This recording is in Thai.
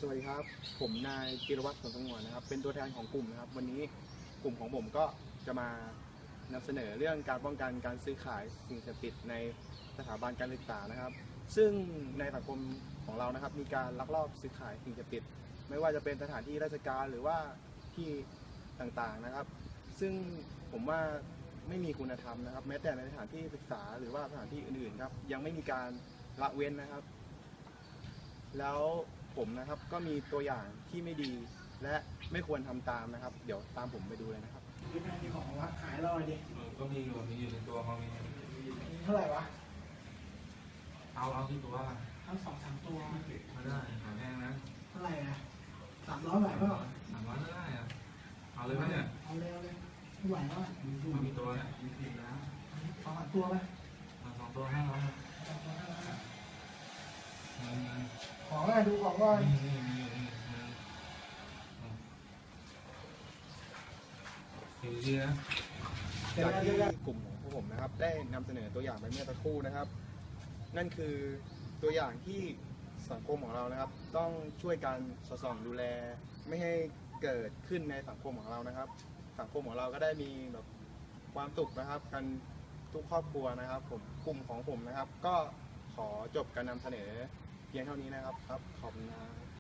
วัสดีครับผมนายจิรวัตร สนสงวนนะครับเป็นตัวแทนของกลุ่มนะครับวันนี้กลุ่มของผมก็จะมานำเสนอเรื่องการป้องกันการซื้อขายสิ่งเสพติดในสถาบันการศึกษานะครับซึ่งในสังคมของเรานะครับมีการลักลอบซื้อขายสิ่งเสพติดไม่ว่าจะเป็นสถานที่ราชการหรือว่าที่ต่างๆนะครับซึ่งผมว่าไม่มีคุณธรรมนะครับแม้แต่ในสถานที่ศึกษาหรือว่าสถานที่อื่นๆครับยังไม่มีการละเว้นนะครับแล้วผมนะครับก็มีตัวอย่างที่ไม่ดีและไม่ควรทำตามนะครับเดี๋ยวตามผมไปดูเลยนะครับพี่แม่มีของวะขายเราดิก็มีอยู่ในตัวเขามีเท่าไหร่วะเอาที่ตัวทั้ง2-3 ตัวไม่ได้ขายแพงนะเท่าไหร่อะ300ไหวเปล่า 300ไม่ได้อะเอาเลยไหมเนี่ยเอาเลยไม่ไหวแล้วมันมีตัวเนี่ยมีสิบแล้ว 2-3 ตัวไหม 2 ตัว500 ของอะไรดูของก่อนดีนะจากที่กลุ่มของพวกผมนะครับได้นำเสนอตัวอย่างไปเมื่อสักครู่นะครับนั่นคือตัวอย่างที่สังคมของเรานะครับต้องช่วยกันสอดส่องดูแลไม่ให้เกิดขึ้นในสังคมของเรานะครับสังคมของเราก็ได้มีแบบความสุขนะครับกันทุกครอบครัวนะครับผมกลุ่มของผมนะครับก็ขอจบการนำเสนอเพียงเท่านี้นะครับขอบคุณครับ